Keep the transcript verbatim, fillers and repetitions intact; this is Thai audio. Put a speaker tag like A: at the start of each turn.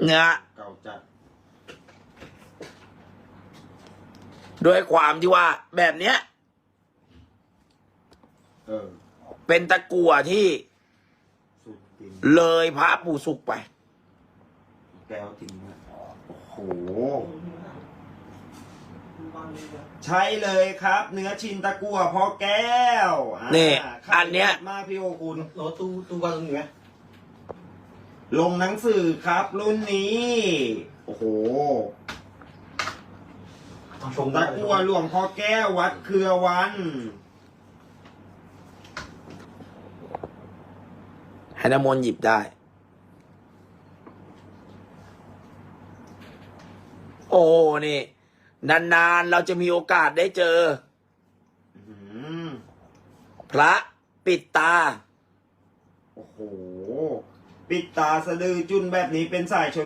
A: เนี่ย
B: เก่าจัด
A: ด้วยความที่ว่าแบบเนี้ย
B: เออ
A: เป็นตะกั่วที่
B: สุดจริง
A: เลยพระปู่สุกไป
B: แก้วจริงนะโอ้โห ใช่เลยครับ เนื้อชินตะกั่วพ่อแก้วอ่า
A: นี่
B: ขาย
A: อันเนี้ย
B: มากพี่โอคุณ
C: รถตู้ตู้วางตรงนี้ไหม
B: ลงหนังสือครับรุ่นนี้ โอ้โห
C: ชม
B: ตะกั่วหลวงพ่อแก้ววัดเครือวัน
A: ให้น้ำมนต์หยิบได้ โอ้นี่ นานๆเราจะมีโอกาสได้เจอ
B: อื้อหือ
A: พระปิดตา
B: โอ้โห ปิดตาสะดือจุนแบบนี้เป็นสายชน